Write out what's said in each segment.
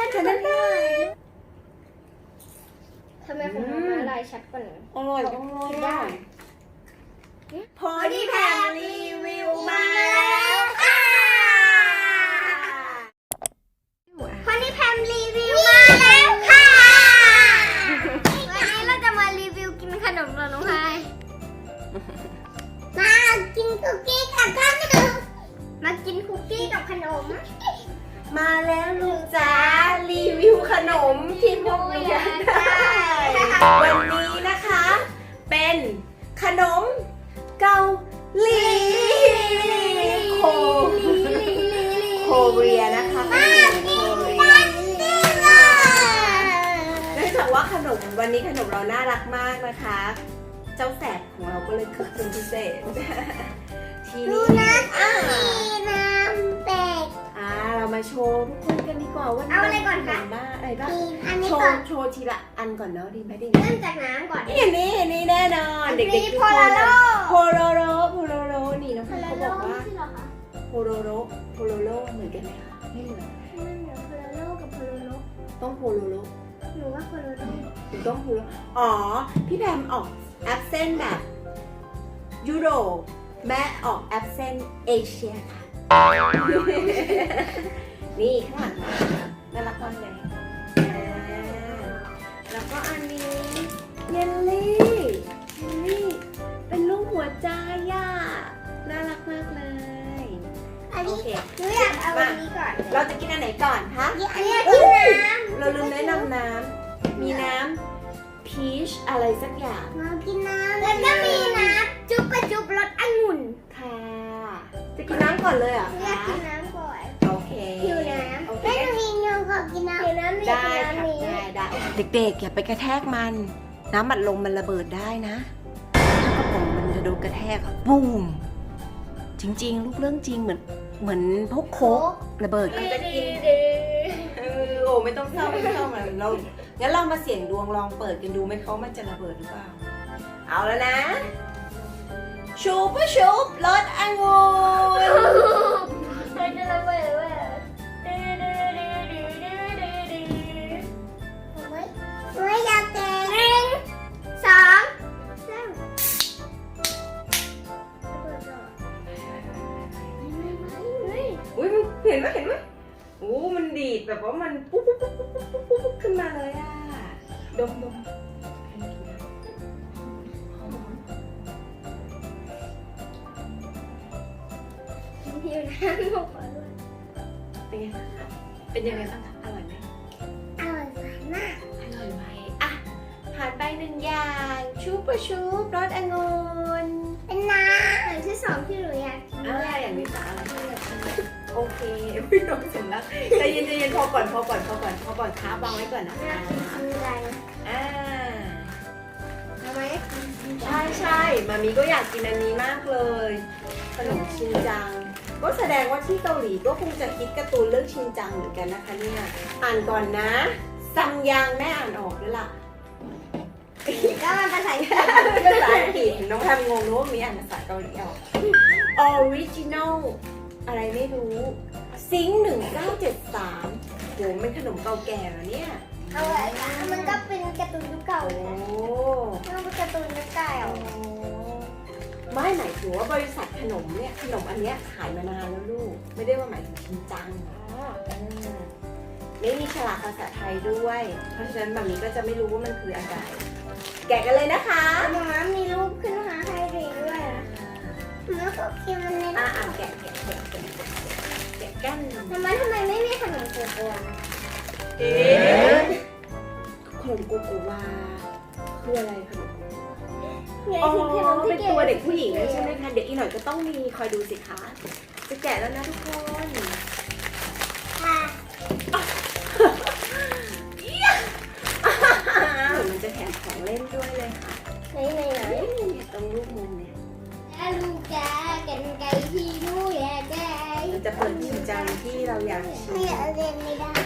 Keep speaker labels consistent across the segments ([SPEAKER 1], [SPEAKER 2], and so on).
[SPEAKER 1] ฉันนั่นได้
[SPEAKER 2] ทำไมของน้องมาลายชัดกว่าหนู
[SPEAKER 1] อร่อยจังเลยอ่ะพอดีแพมรีวิวมาแล้วค่ะ
[SPEAKER 2] พอดีแพมรีวิวมาแล้วค่ะวันนี้เราจะมารีวิวกินขนมกับน้องพายมากินคุกกี้กับขนมมากินคุกกี้กับขนม
[SPEAKER 1] มาแล้วลูกจ๋ารีวิวขนมที่พวกเราอยากได้วันนี้นะคะ เป็นขนมเกาหลีโคเรียนะคะเนื่องจากว่าขนมวันนี้ขนมเราน่ารักมากนะคะ เจ้าแสบของเราก็เลยคึกคืนพิเศษทีนี้
[SPEAKER 2] น้ำแตก
[SPEAKER 1] เรามาโชว์ทุกคนกันดีกว่าว่า
[SPEAKER 2] เอาอะไรก่อนคะ
[SPEAKER 1] บ้างอะไรบ้าง
[SPEAKER 2] อันนี้
[SPEAKER 1] โช
[SPEAKER 2] ก่อน
[SPEAKER 1] ว์ทีละอันก่อนเนาะดีไหมดี
[SPEAKER 2] เริ่มจากน้ำก่อน
[SPEAKER 1] นี่นี่แน่นอนเด็กๆทุกคนโพโลโรนี่น้องเขาบอกว่าโพโลโรเหมือนกันไหมคะไม่เหมือน
[SPEAKER 2] ไม่เหมือนโพโลโลกับโพโลโล
[SPEAKER 1] ต้องโพโลโร
[SPEAKER 2] หนูว่าโพโลโล
[SPEAKER 1] หรือต้องโพโลอ๋อพี่แพมออกแอปเซนแบบยุโรปแม่ออกแอปเซนเอเชียค่ะนี่ข้างหลังน่ารักมากเลยแล้วก็อันนี้เยลลี่เป็นรูปหัวใจอ่ะน่ารักมากเลย
[SPEAKER 2] อันนี้
[SPEAKER 1] โอเค
[SPEAKER 2] หนูอยากเอาอันนี้ก่อน
[SPEAKER 1] เราจะกินอันไหนก่อนคะ
[SPEAKER 2] อันนี้กินน้ำ
[SPEAKER 1] เราลืมแนะนำน้ำมีน้ำพีชอะไรสักอย่าง
[SPEAKER 2] มากินน้ำแล้วก็มีน้ำจุ๊บกระจุ๊บรสองุ่น
[SPEAKER 1] ค่ะจะกินน้ำก่อนเลยเหรอ
[SPEAKER 2] อยาก
[SPEAKER 1] คะ
[SPEAKER 2] กินน้ำก่อน
[SPEAKER 1] โอเค
[SPEAKER 2] หิวน้ำ
[SPEAKER 1] โอเค
[SPEAKER 2] แม่หนูมีเงินขอกินน้ำหิวน้ำ
[SPEAKER 1] ได้ค่ะได้เด็กๆอย่าไปกระแทกมันน้ำอัดลมมันระเบิดได้นะถ้ากระป๋องมันจะโดนกระแทกปุ้มจริงๆลูกเรื่องจริงเหมือนพวกโค้กระเบิดก็จะกินโอ้ไม่ต้องเศร้ามันเรางั้นเรามาเสี่ยงดวงลองเปิดกันดูไหมเขามันจะระเบิดหรือเปล่าเอาแล้วนะชูปรสองุ่น
[SPEAKER 2] มันจะระเบิดเว้ยไม่อยากแตก1 2 3
[SPEAKER 1] อุ้ยเห็นไหมโอ้มันดีดแบบว่ามันปุ๊บขึ้นมาเลยอ่ะดม
[SPEAKER 2] หิวน้ำหมดเลย
[SPEAKER 1] เป็นยังไงบ้างคะอร่อยไหม
[SPEAKER 2] อร่อยมาก
[SPEAKER 1] อร่อยไหมอ่ะผ่านไป1อย่างชูปรสองุ่น
[SPEAKER 2] เป็นน้ำอย่างที่2ที่หนูอยากกิน
[SPEAKER 1] อย่างนี้จะอะไรโอเคพี่น้องเสร็จแล้วใจเย็นพอก่อนค้าบางไว้ก่อนนะคะ
[SPEAKER 2] คืออะไร
[SPEAKER 1] ทำไมใช่มามีก็อยากกินอันนี้มากเลยขนมชินจังก็แสดงว่าที่เกาหลีก็คงจะคิดการ์ตูนเรื่องชินจังเหมือนกันนะคะเนี่ยอ่านก่อนนะซัมยังแม่อ่านออกด้วยล่ะ
[SPEAKER 2] ก็มันภาษาอังกฤษ
[SPEAKER 1] ภาษาอังกฤษน้องแพมงงรู้ว่ามีอ่านภาษาเกาหลีออก Original อะไรไม่รู้ซิง1973โหเป็นขนมเก่าแก่แล้วเนี่ย
[SPEAKER 2] เอาไว้ค่ะมันก็เป็นการ์ตูนยุคเก่า
[SPEAKER 1] โอ้
[SPEAKER 2] มันเป็นการ์ตูนยุคเก่า
[SPEAKER 1] ไม่หมายถึงว่าบริษัทขนมเนี่ยขนมอันเนี้ยขายมานานแล้วลูกไม่ได้ว่าหมายถึงชินจังไม่มีฉลากภาษาไทยด้วย เพราะฉะนั้นแบบนี้ก็จะไม่รู้ว่ามันคืออะไรแกะกันเลยนะคะ
[SPEAKER 2] น้ำมีรูปขึ้นมาให้ดูด้วยแล้วก็คิมมันใน
[SPEAKER 1] แกะกัน
[SPEAKER 2] ทำไมไม่มีขนมโกโก้
[SPEAKER 1] ขนมโกโกวาคืออะไรขนมโกโกวา
[SPEAKER 2] อ๋อ
[SPEAKER 1] เป็นตัวเด็กผู้หญิงใช่ไหมคะเดี๋ยวอีกหน่อยก็ต้องมีคอยดูสิคะจะแกะแล้วนะทุกคน
[SPEAKER 2] ค่ะ
[SPEAKER 1] มันจะแถมของเล่นด้วยเลยค่ะ
[SPEAKER 2] ไหน
[SPEAKER 1] ตรงรูปมุมเนี่ย
[SPEAKER 2] ลูกแกกันไก่ที่นู่นแก
[SPEAKER 1] มันจะเปิดชินจังที่เราอยากชิม
[SPEAKER 2] ไม่เล่นไม่ได้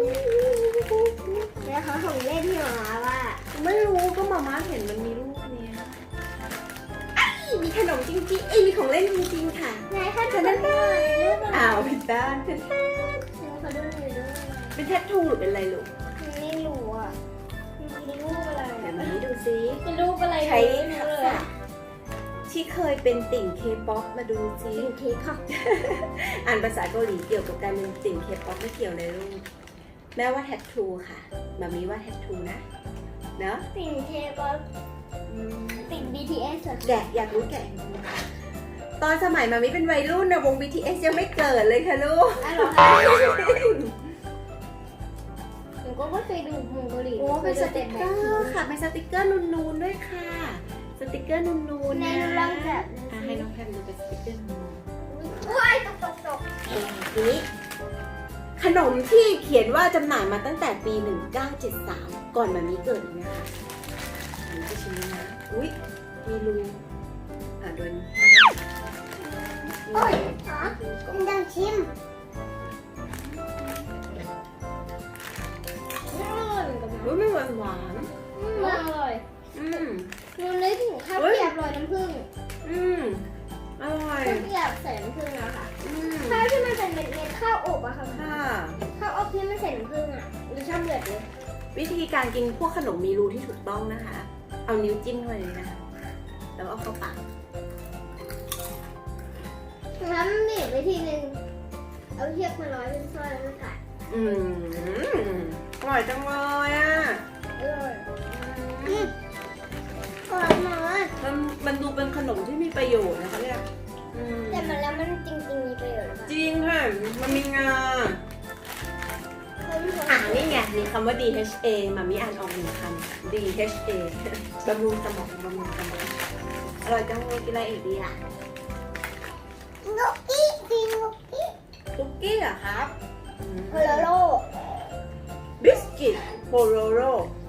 [SPEAKER 2] แล้วเขาของเล่นที่หมาว่า
[SPEAKER 1] ไม่รู้ก็มาม่าเห็นมันมีรูปเนี้ยมีขนมจริงๆมีของเล่นจริงๆค่ะ
[SPEAKER 2] ไหนคะจะได้
[SPEAKER 1] อ้าวผิดด้านผิดด้าน
[SPEAKER 2] เขาดูหน่อยด้วย
[SPEAKER 1] เป็นแทททูหรือเป็นอะไรลูก
[SPEAKER 2] ไม่รู้อ่ะมันเป็นรูปอะไร
[SPEAKER 1] เดี๋ยวมานี้ดูซิ
[SPEAKER 2] เป็นรูปอะไร
[SPEAKER 1] ใช้
[SPEAKER 2] ไม่
[SPEAKER 1] ทั
[SPEAKER 2] รู้
[SPEAKER 1] ก
[SPEAKER 2] เลย
[SPEAKER 1] ษะที่เคยเป็นติ่งเคป๊อปมาดูซิ
[SPEAKER 2] สิ่งที่ค่ะ
[SPEAKER 1] อ่านภาษาเกาหลีเกี่ยวกับการเป็นติ่งเคป๊อปไม่เกี่ยวเลยลูกแม่ว่าแทททูค่ะมามีว่าแทททูนะเนาะ
[SPEAKER 2] สิ่งเทปสิ่ง BTS เหรอ
[SPEAKER 1] แกะอยากรู้แกะตอนสมัยมามิเป็นวัยรุ่นนะวง BTS ยังไม่เกิดเลยค่ะลูก
[SPEAKER 2] อ๋อเหรอคะหนูก็ไม่เคยดูวงเกาหลี
[SPEAKER 1] โอ้เป็นสติกเกอร์ค่ะเป็นสติกเกอร์นูนๆด้วยค่ะ สติกเกอร์นูนๆ
[SPEAKER 2] ใน
[SPEAKER 1] นะ
[SPEAKER 2] ลองแบบ
[SPEAKER 1] ให้น้องแพมดูเป็นสติกเกอร์นูน
[SPEAKER 2] ว้ายตก
[SPEAKER 1] ทีนี้ขนมที่เขียนว่าจำหน่ายมาตั้งแต่ปี 1973 ก่อนมามีเกิดอีกนะคะอันนี้จะชิมนะอุ๊ยมีรูโดน
[SPEAKER 2] โอ้ยอ๋อดังชิม
[SPEAKER 1] อุ๊ยไม่หวานหวาน
[SPEAKER 2] อร่อย
[SPEAKER 1] อืม
[SPEAKER 2] หนูนึกถึงข้าวเกรียบโรยน้ำผึ้ง
[SPEAKER 1] อืมอร่อย
[SPEAKER 2] ข้าวเกรียบใส่น้ำผึ้งอะค่ะ
[SPEAKER 1] อืม
[SPEAKER 2] ข้าวที่มันเป็นเม็ดๆข้าวอบอะค่ะ
[SPEAKER 1] ค่ะ
[SPEAKER 2] ข้าวอบที่ไม่ใส่น้ำผึ้งอะหนูชอบเลือดเลย
[SPEAKER 1] วิธีการกินพวกขนมมีรูที่ถูกต้องนะคะ เอานิ้วจิ้มเข้าไปเลยนะคะ แล้วเอาเข้าปาก
[SPEAKER 2] น้ำหนีบไปทีนึงเอาเชือกมาร้อยเป็นสร้อยแล้วก็ขาด
[SPEAKER 1] อืมอร่อยจังเลยอ่ะ
[SPEAKER 2] อร่อยอร่อยมาก
[SPEAKER 1] มันดูเป็นขนมที่มีประโยชน์นะคะเนี่ยอืม
[SPEAKER 2] แต่มันแล้วมันจริงๆมีประโยชน์ค่ะ
[SPEAKER 1] จริงค่ะ มันมีงา นี่ไง มีคำว่า DHA มามีอ่านออกหนึ่งคำ DHA บำรุงสมองบำรุงสมองอร่อยจังเลยกินอะไรอีกดีอ่ะ
[SPEAKER 2] นกกี้กินนกกี้
[SPEAKER 1] คุกกี้เหรอครับ
[SPEAKER 2] โคโลโล
[SPEAKER 1] บิสกิตโพโรโร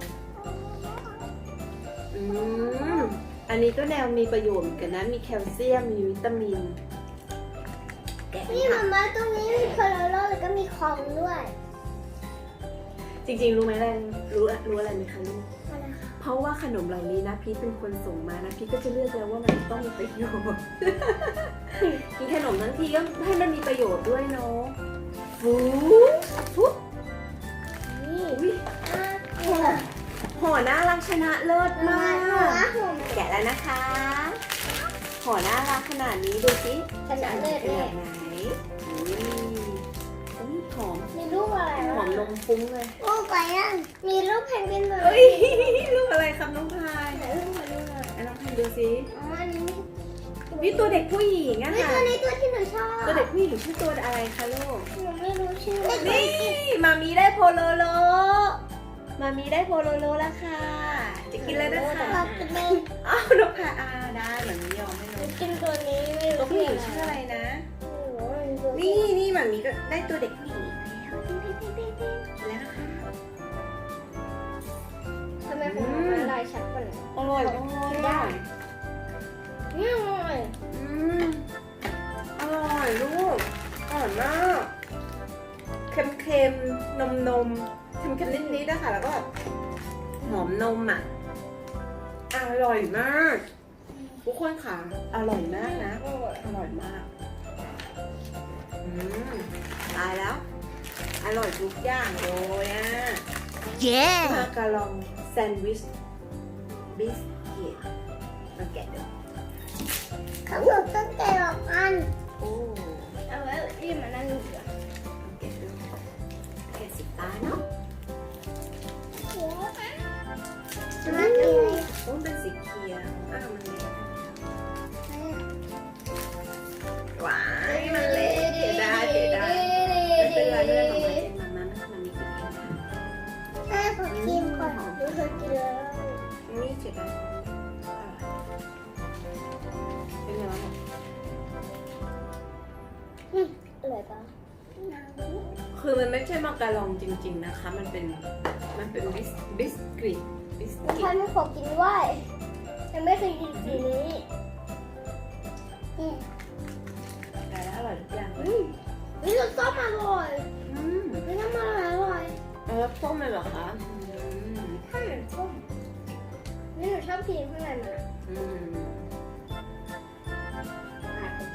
[SPEAKER 1] อันนี้ก็แนวมีประโยชน์เหมือนกันนะ มีแคลเซียม มีวิตามินแกะ
[SPEAKER 2] นี่
[SPEAKER 1] ค่ะ
[SPEAKER 2] มาม่าตรงนี้มีโคโลโลแล้วก็มีคองด้วย
[SPEAKER 1] จริงๆ รู้ไหมอะไรรู้อะไรไหมคะลูก
[SPEAKER 2] อะไรคะ
[SPEAKER 1] เพราะว่าขนมเหล่านี้นะพีทเป็นคนส่งมานะพีทก็จะเลือกแล้วว่ามันต้องมีประโยชน์ กินขนมทั้งทีก็ให้มันมีประโยชน์ด้วยเนาะฟูฟู
[SPEAKER 2] นี่
[SPEAKER 1] อุ๊ยห่อน่ารักชนะเลิศมาก แกะแล้วนะคะห่อน่ารักขนาดนี้ดูสิ
[SPEAKER 2] ขนาดเลือด
[SPEAKER 1] ข
[SPEAKER 2] แน่
[SPEAKER 1] นาดไหนอุ้ยหอม
[SPEAKER 2] มีรูปอะไร
[SPEAKER 1] หอมนมฟุ้งเลย
[SPEAKER 2] รูปอะไรอ่ะมีรูปแพนกวินเลย
[SPEAKER 1] เฮ้ยรูปอะไรครับน้องพาย
[SPEAKER 2] ไหนรูปมาดูหน่อย
[SPEAKER 1] น้องพายดูสิ
[SPEAKER 2] อ๋ออันนี้
[SPEAKER 1] นี่ตัวเด็กผู้หญิงอะ
[SPEAKER 2] นี่
[SPEAKER 1] ค่ะ
[SPEAKER 2] ตัวนี้ตัวที่หนูชอบ
[SPEAKER 1] ตัวเด็กผู้หญิงชื่อตัวอะไรคะลูก
[SPEAKER 2] หนูไม่รู้ชื่อ
[SPEAKER 1] นี่มามีได้โพโลโล มามีได้โพโลโลแล้วค่ะ จะกินเลยนะคะ
[SPEAKER 2] เราจะไม่
[SPEAKER 1] อ้าวนกพาได้เหมือนไม่ยอมไม่รู้
[SPEAKER 2] กินตัวนี้ไม่
[SPEAKER 1] ตัว
[SPEAKER 2] รู้
[SPEAKER 1] ผู้หญิงชื่ออะไรนะ นี่มามีก็ได้ตัวเด็กผู้หญิงอีกแล้วแล้วนะคะ
[SPEAKER 2] ทำไมของมันลายชัดกว่านี้
[SPEAKER 1] อร่อยจังเลยอะ
[SPEAKER 2] นี่อร่อย
[SPEAKER 1] อร่อยลูกอร่อยมากเค็มๆนมเค็มๆนิดๆนะคะแล้วก็แบบหอมนมอ่ะอร่อยมากทุกคนค่ะอร่อยมากนะ อร่อยมากตายแล้ว อร่อยทุกอย่างเลยอ่ะมาการองแซนด์วิชบิสกิตมาแกะดู
[SPEAKER 2] เขาบอกต้องแกะออกอัน
[SPEAKER 1] โอ้
[SPEAKER 2] เอาไว้ที่มานั่งอยู่อ่ะ
[SPEAKER 1] แกะดูแกะสิตาเนาะ
[SPEAKER 2] มาดู
[SPEAKER 1] โอ้เป็นสีเขียวมันเละว้ายมันเละเสียดายไม่เป็นไรเรื่องของมันเองมันมีกินเองนะ
[SPEAKER 2] แม่ขอกินก่อนดูเธอกินแล้ว
[SPEAKER 1] นี่เสียดายเป็นไงบ้าง
[SPEAKER 2] อร่อยปะ
[SPEAKER 1] คือมันไม่ใช่มาการองจริงๆนะคะ มันเป็นบิสกิต
[SPEAKER 2] ฉันไม่ขอกินด้วยยังไม่เคยกินสีนี้
[SPEAKER 1] แต่แล้วอร่อยทุกอย่าง
[SPEAKER 2] นี่รสส้มอร่อย
[SPEAKER 1] อืม
[SPEAKER 2] นี่น้ำมันอร่อย
[SPEAKER 1] แล้วส้มเลยเหรอคะ
[SPEAKER 2] ข้าวเหนียวส้มนี่หนูชอบกินข้างในมัน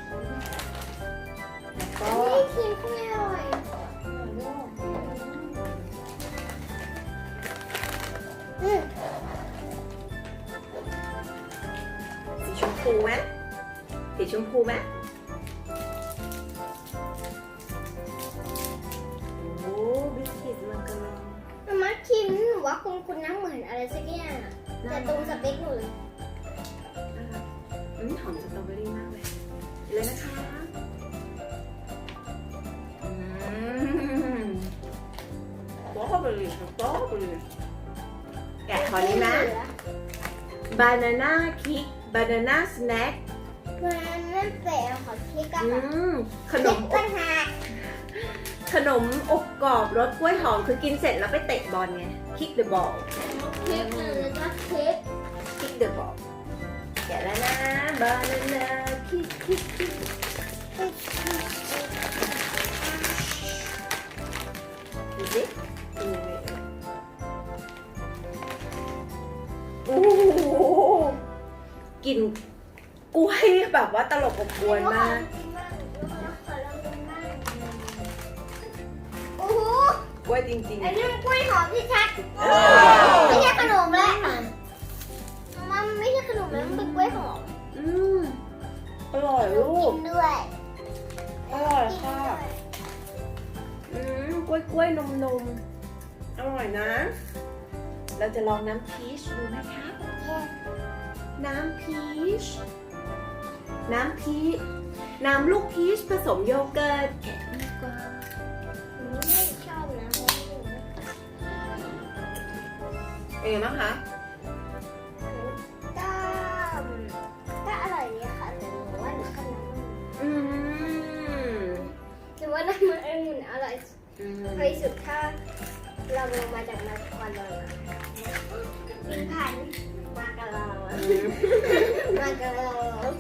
[SPEAKER 1] แล้วก็
[SPEAKER 2] นี่ครีมข้างในอร่อย
[SPEAKER 1] อไหมสีชมพูไหมโอ้บิสกิตมันกำลัง
[SPEAKER 2] มาคิมหนูว่าคุณน้ำเหมือนอะไรสักอย่างอะแต่ตรงสเปคหนูเลย
[SPEAKER 1] หอมสตรอเบอรี่มากเลยเลยนะคะสตรอเบอรี่แกะขอนี้นะ banana kick banana snack
[SPEAKER 2] มันนั่นเป๋ขอคิดกัน
[SPEAKER 1] ขนมอ
[SPEAKER 2] ปั
[SPEAKER 1] บ
[SPEAKER 2] ญหา
[SPEAKER 1] ขนมอบกรอบรสกล้วยหอมคือกินเสร็จแล้วไปเตะบอลไง kick the ball
[SPEAKER 2] เค้กแล้วก็เค้ก
[SPEAKER 1] kick the ball แกะแล้วนะ banana kick kick kick ดูสิโอ้โหกลิ่นกล้วยแบบว่าตลบอบอวนมาก
[SPEAKER 2] โอ้โห
[SPEAKER 1] กล้วยจริง
[SPEAKER 2] อันนี้มันกล้วยหอมที่ชัดไม่ใช่ขนมแล้วมันไม่ใช่ขนมแล้วมันเป็นกล้วยหอม
[SPEAKER 1] อร่อยลูก
[SPEAKER 2] กินด้วย
[SPEAKER 1] อร่อยค่ะกล้วยนมอร่อยนะ เราจะลองน้ำพีชดูไหมคะ น้ำพีช น้ำลูกพีชผสมโยเกิร์ตแกะดีกว่า
[SPEAKER 2] ไม่ชอบนะ
[SPEAKER 1] เป็นไงบ้างคะ
[SPEAKER 2] ก็อร่อยดีค่ะแต่หนูว่าหนูขนม หรือว่าน้ำมันองุ่นอร่อยที่สุดถ้าเราลงมาจากนครเลยมีพันมากระลามากระลา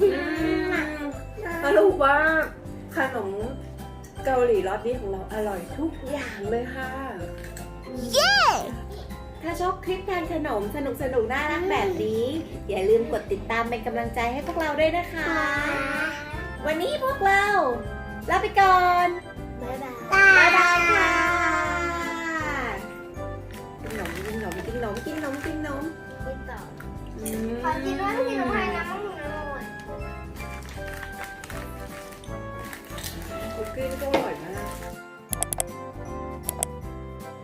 [SPEAKER 1] สรุปว่าขนมเกาหลีรสนี้ของเราอร่อยทุกอย่างเลยค่ะ
[SPEAKER 2] เย้
[SPEAKER 1] ถ้าชอบคลิปทานขนมสนุกน่ารักแบบนี้ อย่าลืมกดติดตามเป็นกำลังใจให้พวกเราด้วยนะคะ วันนี้พวกเราลาไปก่อน
[SPEAKER 2] บ๊ายบาย
[SPEAKER 1] บ๊ายบายค่ะกินขนมกินต่อ
[SPEAKER 2] กินต่อขอกินด้วยกินน้ำไผ่น้ำมันอร่อย
[SPEAKER 1] คุกกี้ก็อร่อย